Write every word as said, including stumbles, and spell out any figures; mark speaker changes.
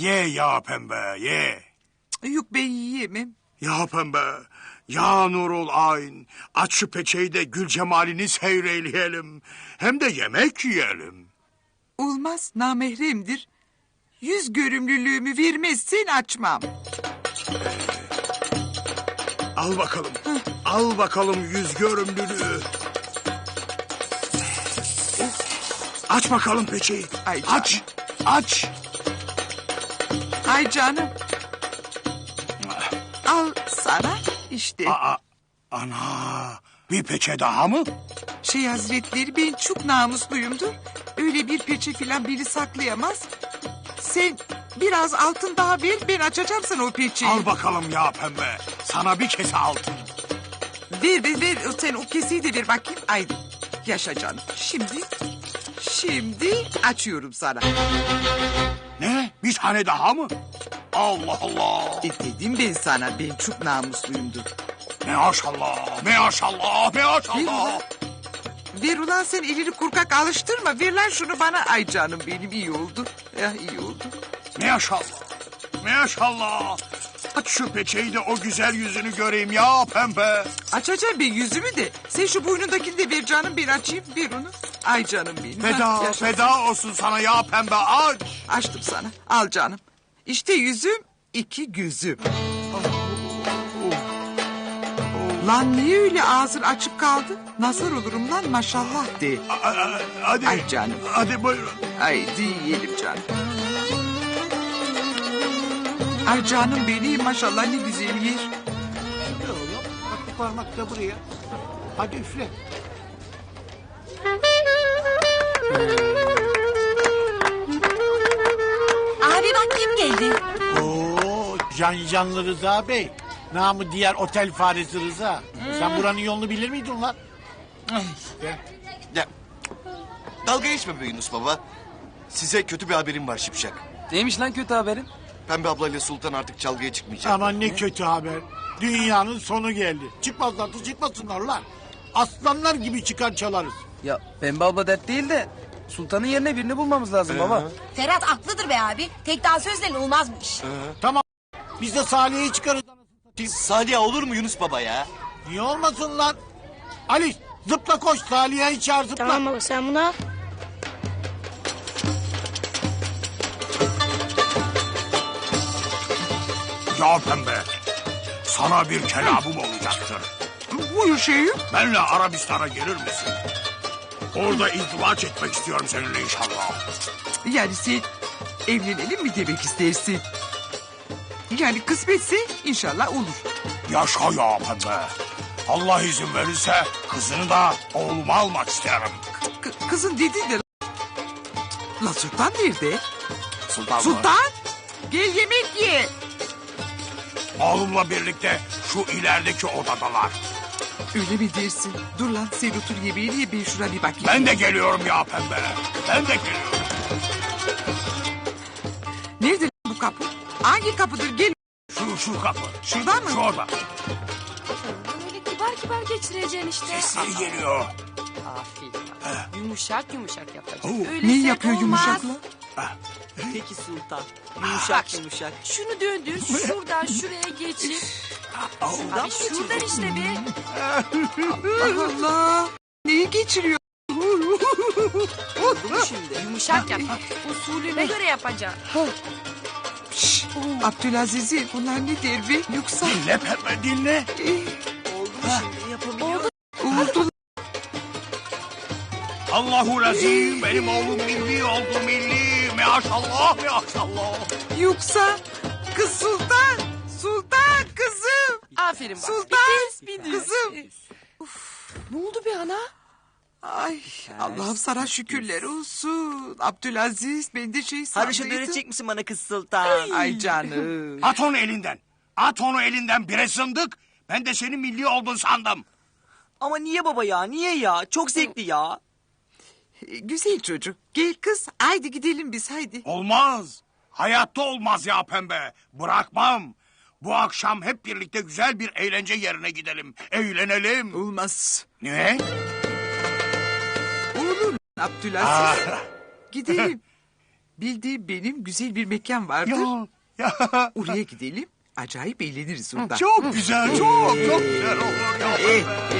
Speaker 1: Ye ya pembe ye.
Speaker 2: Yok ben yiyemem.
Speaker 1: Ya pembe. Ya Nurul Ayn. Aç şu peçeyi de gül cemalini seyreyleyelim. Hem de yemek yiyelim.
Speaker 2: Olmaz, namahremdir. Yüz görümlülüğümü vermezsen açmam.
Speaker 1: Al bakalım. Al bakalım yüz görümlülüğü. Aç bakalım peçeyi.
Speaker 2: Ay
Speaker 1: aç. Aç.
Speaker 2: Ay canım. Al sana işte.
Speaker 1: Aa, ana. Bir peçe daha mı?
Speaker 2: Şey hazretleri, ben çok namusluyumdur. Öyle bir peçe filan biri saklayamaz. Sen biraz altın daha ver, ben açacağım sana o peçeyi.
Speaker 1: Al bakalım ya pembe. Sana bir kese altın.
Speaker 2: Ver ver ver, sen o keseyi de ver bakayım. Ay yaşa canım. Şimdi, şimdi açıyorum sana.
Speaker 1: Ne? Bir tane daha mı? Allah Allah.
Speaker 2: E dedim ben sana, ben çok namusluyumdur.
Speaker 1: Maşallah, maşallah, maşallah.
Speaker 2: Ver ulan, sen elini kurkak alıştırma. Ver lan şunu bana. Ay canım benim, iyi oldu. Ya iyi oldu.
Speaker 1: Maşallah, maşallah. Aç şu peçeyi de o güzel yüzünü göreyim ya pembe.
Speaker 2: Açacağım ben yüzümü de. Sen şu boynundakini de ver canım, ben açayım. Ver onu. Ay canım benim.
Speaker 1: Feda,
Speaker 2: Ha, yaşa.
Speaker 1: feda olsun sana ya pembe, aç.
Speaker 2: Açtım sana. Al canım. İşte yüzüm, iki gözüm. Lan niye öyle ağzın açık kaldı? Nazar olurum lan, maşallah de.
Speaker 1: A- a- Hadi.
Speaker 2: Ay canım.
Speaker 1: Hadi buyurun.
Speaker 2: Haydi yiyelim canım. Ay canım benim, maşallah ne güzel yer.
Speaker 3: Ne oğlum? Bak bu parmak da buraya. Hadi üfle.
Speaker 4: Abi bak kim geldi?
Speaker 3: Oo, can canlı Rıza Bey. Namı diğer otel faresi Rıza. Sen buranın yolunu bilir miydin lan? Gel.
Speaker 5: Ya, dalga geçme be Yunus baba. Size kötü bir haberim var Şipşak.
Speaker 6: Neymiş lan kötü haberin?
Speaker 5: Pembe ablayla Sultan artık çalgıya çıkmayacak.
Speaker 3: Aman ne kötü haber. Dünyanın sonu geldi. Çıkmazlarsa çıkmasınlar lan. Aslanlar gibi çıkar çalarız.
Speaker 6: Ya Pembe abla dert değil de Sultan'ın yerine birini bulmamız lazım baba.
Speaker 4: Ferhat haklıdır be abi. Tek daha sözle olmazmış.
Speaker 3: Tamam. Biz de Salih'i çıkarız.
Speaker 5: Salih olur mu Yunus baba ya?
Speaker 3: Niye olmasın lan? Ali zıpla koş, Salih'i çağır zıpla.
Speaker 7: Tamam baba, sen bunu al.
Speaker 1: Ya pembe. Sana bir kelamım olacaktır.
Speaker 2: Buyur şeyim.
Speaker 1: Benle Arabistan'a gelir misin? Orada izdivaç etmek istiyorum seninle inşallah.
Speaker 2: Yani sen evlenelim mi demek istersin? Yani kısmetse inşallah olur.
Speaker 1: Yaşa ya pembe. Allah izin verirse kızını da oğluma almak isterim.
Speaker 2: K- kızın dediğin de... La Sultan nerede?
Speaker 1: Sultan mı?
Speaker 2: Sultan! Gel yemek ye.
Speaker 1: Oğlumla birlikte şu ilerideki odadalar.
Speaker 2: Öyle mi dersin? Dur lan, sen otur yemeğini ye, ben şuna bir bakayım.
Speaker 1: Ben de geliyorum ya pembe. Ben de geliyorum.
Speaker 2: Nerede lan bu kapı? Hangi kapıdır? Gel.
Speaker 1: Şu şu kapı.
Speaker 2: Şuradan mı?
Speaker 1: Şu orada.
Speaker 7: Böyle kibar kibar geçireceksin işte.
Speaker 1: Sesleri geliyor.
Speaker 7: Aferin. Yumuşak yumuşak yapacaksın.
Speaker 1: Oo.
Speaker 7: Öyle
Speaker 2: Ne
Speaker 7: sert
Speaker 2: yapıyor
Speaker 7: olmaz.
Speaker 2: yumuşakla?
Speaker 6: Peki Sultan.
Speaker 7: Yumuşak yumuşak. Şunu döndür, şuradan şuraya geçir. Abi şuradan işte be.
Speaker 2: Allah Allah. Neyi geçiriyor?
Speaker 7: Bunu şimdi yumuşak yap. Usulüne göre yapacaksın.
Speaker 2: Şşş, Abdülaziz'im, bunlar ne der be? Yoksa...
Speaker 1: Dinle pembe dinle.
Speaker 6: Oldu mu şimdi yapabiliyor?
Speaker 2: Oldu.
Speaker 1: Allahu razim benim oğlum milli oldu milli. Maşallah maşallah.
Speaker 2: Yoksa kız Sultan. Sultan kızım.
Speaker 7: Aferin bak.
Speaker 2: Sultan
Speaker 7: Bir de-
Speaker 2: kızım.
Speaker 7: Ne oldu be ana?
Speaker 2: Ay Allah'ım sana şükürler olsun. Abdülaziz, ben de şey
Speaker 6: Haroşa
Speaker 2: sandıydım.
Speaker 6: öğretecek misin bana kız Sultan?
Speaker 2: Ay canım.
Speaker 1: At onu elinden. At onu elinden bire zındık. Ben de senin milli oldun sandım.
Speaker 6: Ama niye baba ya? Niye ya? Çok zevkli ya.
Speaker 2: Ee, Güzel çocuk. Gel kız. Haydi gidelim biz haydi.
Speaker 1: Olmaz. Hayatta olmaz ya pembe. Bırakmam. Bu akşam hep birlikte güzel bir eğlence yerine gidelim. Eğlenelim.
Speaker 2: Olmaz.
Speaker 1: Ne?
Speaker 2: Olur Abdülaziz. Gidelim. bildiğim benim güzel bir mekan vardır.
Speaker 1: Ya, ya.
Speaker 2: Oraya gidelim. Acayip eğleniriz orada.
Speaker 1: Çok güzel, çok çok güzel olur ya.
Speaker 2: Eh,